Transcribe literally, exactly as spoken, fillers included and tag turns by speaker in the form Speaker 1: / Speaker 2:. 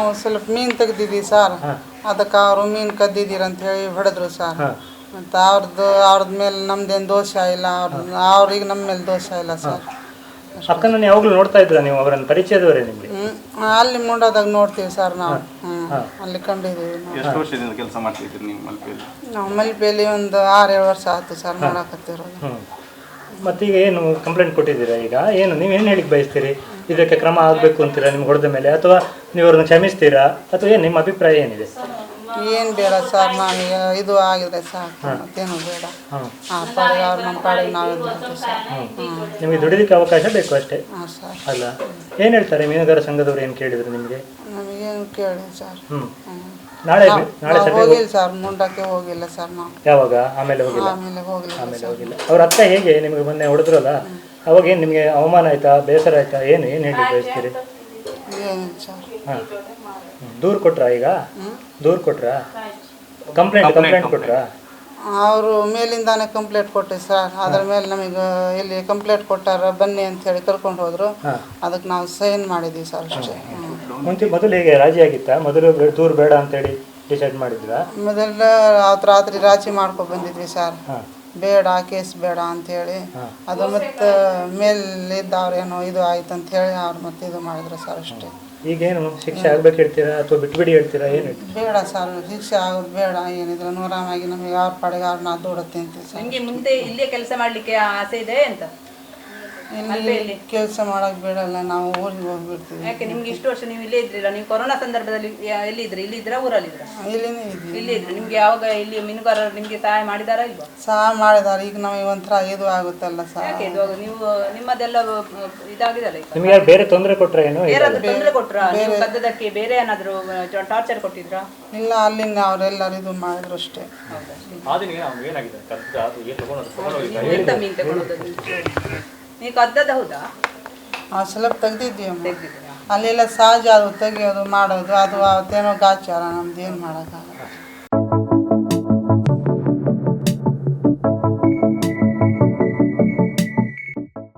Speaker 1: ಸ್ವಲ್ಪ ಮೀನು ತೆಗ್ದಿದ್ದೀವಿ ಸರ್, ಅದಕ್ಕೆ ಅವರು ಮೀನು ಕದ್ದಿದ್ದೀರ ಅಂತ ಹೇಳಿ ಹೊಡೆದ್ರು ಸರ್. ಮತ್ತು ಅವ್ರದ್ದು ಅವ್ರದ್ದು ಮೇಲೆ ನಮ್ದೇನು ದೋಷ ಇಲ್ಲ, ಅವ್ರದ್ದು ಅವ್ರಿಗೆ ನಮ್ಮ ಮೇಲೆ ದೋಷ ಇಲ್ಲ ಸರ್.
Speaker 2: ಅಕ್ಕನ ಯಾವಾಗಲೂ ನೋಡ್ತಾ ಇದ್ರ ನೀವು? ಅವರನ್ನು ಪರಿಚಯದವರೇ ನಿಮಗೆ?
Speaker 1: ಹ್ಞೂ ಅಲ್ಲಿ ಮುಂಡಾದಾಗ ನೋಡ್ತೀವಿ ಸರ್ ನಾವು. ಹ್ಞೂ ಅಲ್ಲಿ ಕಂಡಿದ್ದೀವಿ.
Speaker 3: ಎಷ್ಟು ವರ್ಷದಿಂದ ಕೆಲಸ ಮಾಡ್ತಿದ್ದೀರಿ ನೀವು ಮಲ್ಪೆಯಲ್ಲಿ?
Speaker 1: ನಾವು ಮಲ್ಪೆಯಲ್ಲಿ ಒಂದು ಆರು ಏಳು ವರ್ಷ ಆಯ್ತು ಸರ್ ನೋಡಕತ್ತಿರೋದು.
Speaker 2: ಮತ್ತೀಗ ಏನು ಕಂಪ್ಲೇಂಟ್ ಕೊಟ್ಟಿದ್ದೀರಾ? ಈಗ ಏನು ನೀವೇನು ಹೇಳಿಕ್ಕೆ ಬಯಸ್ತೀರಿ? ಇದಕ್ಕೆ ಕ್ರಮ ಆಗಬೇಕು ಅಂತೀರಾ ನಿಮ್ಗೆ ಹೊಡೆದ ಮೇಲೆ, ಅಥವಾ ನೀವು ಅವ್ರನ್ನ ಕ್ಷಮಿಸ್ತೀರಾ, ಅಥವಾ ಏನು ನಿಮ್ಮ ಅಭಿಪ್ರಾಯ ಏನಿದೆ?
Speaker 1: ಏನು ಬೇಡ ಸರ್, ನಾವು ಇದು ಆಗಿದೆ ಸಾಕು, ಮತ್ತೇನು ಬೇಡ. ಹಾಂ ಪಾಡಿಗೆ ಅವ್ರು ನಮ್ಮ ಪಾಡಿಗೆ ನಾವು ಇದ್ಬಿಡ್ತೀವಿ ಸರ್.
Speaker 2: ನಿಮಗೆ ದುಡಿಲಿಕ್ಕೆ ಅವಕಾಶ ಬೇಕು ಅಷ್ಟೇ.
Speaker 1: ಹಾಂ ಸರ್.
Speaker 2: ಅಲ್ಲ, ಏನು ಹೇಳ್ತಾರೆ ಮೀನುಗಾರ ಸಂಘದವ್ರು? ಏನು ಕೇಳಿದ್ರು ನಿಮಗೆ?
Speaker 1: ನಮಗೇನು ಕೇಳಿ ಸರ್.
Speaker 2: ಹ್ಞೂ ನಾಳೆ ನಾಳೆ ಸಭೆ
Speaker 1: ಹೋಗಿಲ್ಲ ಸರ್, ಮುಂಡಕ್ಕೆ ಹೋಗಿಲ್ಲ ಸರ್ ನಾವು.
Speaker 2: ಯಾವಾಗ? ಆಮೇಲೆ ಹೋಗಿಲ್ಲ?
Speaker 1: ಆಮೇಲೆ ಹೋಗಿಲ್ಲ
Speaker 2: ಆಮೇಲೆ ಹೋಗಿಲ್ಲ. ಅವ್ರ ಅಕ್ಕ ಹೇಗೆ ನಿಮಗೆ ಮೊನ್ನೆ ಹೊಡೆದ್ರಲ್ಲ, ಅವಾಗ ಏನು ನಿಮಗೆ ಅವಮಾನ ಆಯ್ತಾ, ಬೇಸರ ಆಯ್ತಾ, ಏನು ಏನು ಹೇಳಿ ಬಯಸ್ತೀರಿ?
Speaker 1: ಏನಿಲ್ಲ ಸರ್.
Speaker 2: ಹಾಂ, ದೂರು ಕೊಟ್ರಾ? ಈಗ ದೂರು ಕೊಟ್ರಾ? Complaint complaint ಕೊಟ್ರಾ?
Speaker 1: ಅವರು ಮೇಲಿಂದಾನೆ ಕಂಪ್ಲೇಂಟ್ ಕೊಟ್ಟೆ ಸರ್. ಅದ್ರ ಮೇಲೆ ನಮಗೆ ಇಲ್ಲಿ ಕಂಪ್ಲೇಂಟ್ ಕೊಟ್ಟಾರ ಬನ್ನಿ ಅಂತ ಹೇಳಿ ಕರ್ಕೊಂಡು ಹೋದ್ರು. ಅದಕ್ಕೆ ನಾವು ಸೈನ್ ಮಾಡಿದ್ವಿ ಸರ್ ಅಷ್ಟೇ.
Speaker 2: ಮುಂಚೆ ಮೊದಲು ಹೇಗೆ ರಾಜಿ ಆಗಿತ್ತಾ? ಮೊದಲು ದೂರು ಬೇಡ ಅಂತೇಳಿ ಡಿಸೈಡ್ ಮಾಡಿದ್ರಾ?
Speaker 1: ಮೊದಲ ಅವತ್ತು ರಾತ್ರಿ ರಾಜಿ ಮಾಡ್ಕೊಂಡು ಬಂದಿದ್ವಿ ಸರ್, ಬೇಡ ಕೇಸ್ ಬೇಡ ಅಂಥೇಳಿ. ಅದು ಮತ್ತು ಮೇಲಿದ್ದವ್ರು ಏನೋ ಇದು ಆಯ್ತು ಅಂತ ಹೇಳಿ ಅವ್ರು ಮತ್ತೆ ಇದು ಮಾಡಿದ್ರು ಸರ್ ಅಷ್ಟೇ.
Speaker 2: ಈಗೇನು ಶಿಕ್ಷೆ ಆಗ್ಬೇಕು ಹೇಳ್ತೀರಾ ಅಥವಾ ಬಿಟ್ಬಿಡಿ ಹೇಳ್ತೀರಾ? ಏನು
Speaker 1: ಬೇಡ ಸರ್, ಶಿಕ್ಷೆ ಆಗೋದು ಬೇಡ. ಏನಿದ್ರೆ ನೂರಾಮಾಗಿ ನಮಗೆ ಅವ್ರ ಪಾಡಿಗೆ ಅವ್ರು ನಾವು ದುಡುತ್ತೆ ಅಂತೀವಿ ಸರ್.
Speaker 4: ನಿಮಗೆ ಮುಂದೆ ಇಲ್ಲೇ ಕೆಲಸ ಮಾಡಲಿಕ್ಕೆ ಆಸೆ ಇದೆ ಅಂತ?
Speaker 1: ಇಲ್ಲಿ ಕೆಲಸ ಮಾಡೋಕೆ ಬೇಡಲ್ಲ, ನಾವು ಊರಿಗೆ ಹೋಗ್ಬಿಡ್ತೀವಿ.
Speaker 4: ಯಾಕೆ ನಿಮ್ಗೆ ಇಷ್ಟು ವರ್ಷ ನೀವು ಇಲ್ಲೇ ಇದ್ರಿಲ್ಲ? ನೀವು ಕೊರೋನಾ ಸಂದರ್ಭದಲ್ಲಿ ಎಲ್ಲಿ ಇದ್ರಿ? ಇಲ್ಲಿ ಇದ್ರ ಊರಲ್ಲಿ ಇದ್ರ?
Speaker 1: ಇಲ್ಲಿನೇ ಇದ್ವಿ.
Speaker 4: ಇಲ್ಲಿ ಇದ್ರಿ. ನಿಮ್ಗೆ ಯಾವಾಗ ಇಲ್ಲಿ ಮೀನುಗಾರರು ನಿಮ್ಗೆ ಸಹಾಯ ಮಾಡಿದಾರಾ ಇಲ್ವಾ?
Speaker 1: ಸಹಾಯ ಮಾಡಿದಾರೆ. ಈಗ ನಮಗೆ ಒಂಥರ ಇದು ಆಗುತ್ತಲ್ಲ ಸರ್.
Speaker 4: ಯಾಕೆ ಇದು ನೀವು ನಿಮ್ಮದೆಲ್ಲ ಇದಾಗಿದಲ್ಲ?
Speaker 2: ನಿಮಗೆ ಯಾರು ಬೇರೆ ತೊಂದರೆ ಕೊಟ್ರ? ಏನು
Speaker 4: ಬೇರಾದ್ರೂ ತೊಂದರೆ ಕೊಟ್ರ? ನೀವು ಕದ್ದದಕ್ಕೆ ಬೇರೆ ಏನಾದ್ರು ಟಾರ್ಚರ್ ಕೊಟ್ಟಿದ್ರಾ?
Speaker 1: ಇಲ್ಲ, ಅಲ್ಲಿಂದ ಅವರೆಲ್ಲರೂ ಇದು ಮಾಡಿದ್ರು ಅಷ್ಟೇ.
Speaker 4: ಎಂತ ಮೀನು ತಗೊಳ್ಳೋದು ನೀವು? ಕದ್ದದ ಹೌದಾ?
Speaker 1: ಹಾಂ, ಸ್ವಲ್ಪ ತೆಗ್ದಿದ್ದೀವಿ. ಅಲ್ಲೆಲ್ಲ ಸಹಜ ಅದು ತೆಗಿಯೋದು ಮಾಡೋದು, ಅದು ಅವತ್ತೇನೋ ಗಾಚಾರ, ನಮ್ದು ಏನು ಮಾಡೋಕ್ಕಾಗಲ್ಲ.